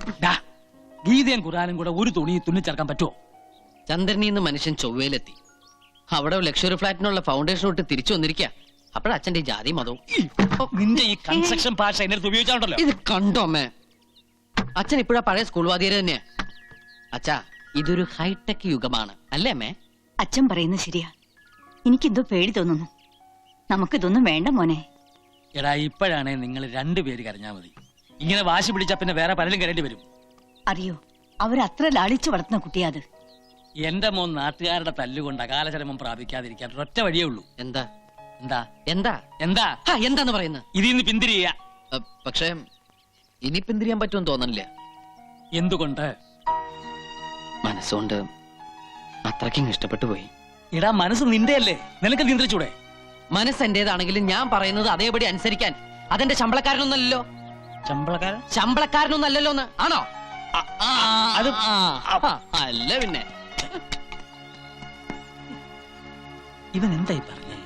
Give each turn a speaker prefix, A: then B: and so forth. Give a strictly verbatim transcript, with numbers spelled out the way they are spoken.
A: ഗീതയും ഖുറാനും കൂടെ ഒരു തുണി തുന്നിച്ചേർക്കാൻ പറ്റുമോ?
B: ചന്ദ്രനിന്ന് മനുഷ്യൻ ചൊവ്വയിലെത്തി. അവിടെ ലക്ഷറി ഫ്ലാറ്റിനുള്ള ഫൗണ്ടേഷൻ ഇട്ട് തിരിച്ചു വന്നിരിക്കുക. അപ്പോഴച്ഛന്റെ ജാതി മതവും.
A: നിന്റെ ഈ കൺസ്ട്രക്ഷൻ ഭാഷ എന്നെ അടുത്ത് ഉപയോഗിച്ചാണല്ലോ.
B: ഇത് കണ്ടോ അമ്മേ? അച്ഛൻ ഇപ്പോഴാ പഴയ സ്കൂൾ വാദിയര് തന്നെയാ. അച്ഛാ, ഇതൊരു ഹൈടെക് യുഗമാണ് അല്ലേ അമ്മേ?
C: അച്ഛൻ പറയുന്നത് ശരിയാ. എനിക്കെന്തോ പേടി തോന്നുന്നു. നമുക്കിതൊന്നും വേണ്ട മോനെ.
A: എടാ, ഇപ്പോഴാണേ നിങ്ങൾ രണ്ടുപേര് കരഞ്ഞാ മതി. ഇങ്ങനെ വാശി പിടിച്ചാ പിന്നെ വേറെ പലരും കരേണ്ടി വരും.
C: അറിയോ, അവരത്ര ലാളിച്ചു വളർത്തുന്ന കുട്ടിയാ അത്.
A: എന്റെ മോൻ നാട്ടുകാരുടെ തല്ലുകൊണ്ട് അകാലചരമം പ്രാപിക്കാതിരിക്കാൻ ഒറ്റ വഴിയേ ഉള്ളൂ.
B: എന്താ
A: എന്താ
B: എന്താ
A: എന്താ
B: എന്താന്ന് പറയുന്നത്?
A: ഇതിൽ നിന്ന് പിന്തിരിയ.
B: പക്ഷേ ഇനി പിന്തിരിയാൻ പറ്റുമെന്ന് തോന്നണില്ല.
A: എന്തുകൊണ്ട്?
B: മനസ്സുകൊണ്ട് അത്രയ്ക്കും ഇഷ്ടപ്പെട്ടു പോയി.
A: എടാ, മനസ്സ് നിന്റെ അല്ലേ, നിനക്ക് നിയന്ത്രിച്ചൂടെ?
B: മനസ്സ് എന്റേതാണെങ്കിലും ഞാൻ പറയുന്നത് അതേപടി അനുസരിക്കാൻ അതെന്റെ ശമ്പളക്കാരനൊന്നല്ലോ.
A: ശമ്പളക്കാരൻ
B: ശമ്പളക്കാരനൊന്നല്ലോ. ആണോ?
A: അത്
B: അല്ല പിന്നെ.
A: ഇവൻ എന്തായി പറഞ്ഞേ?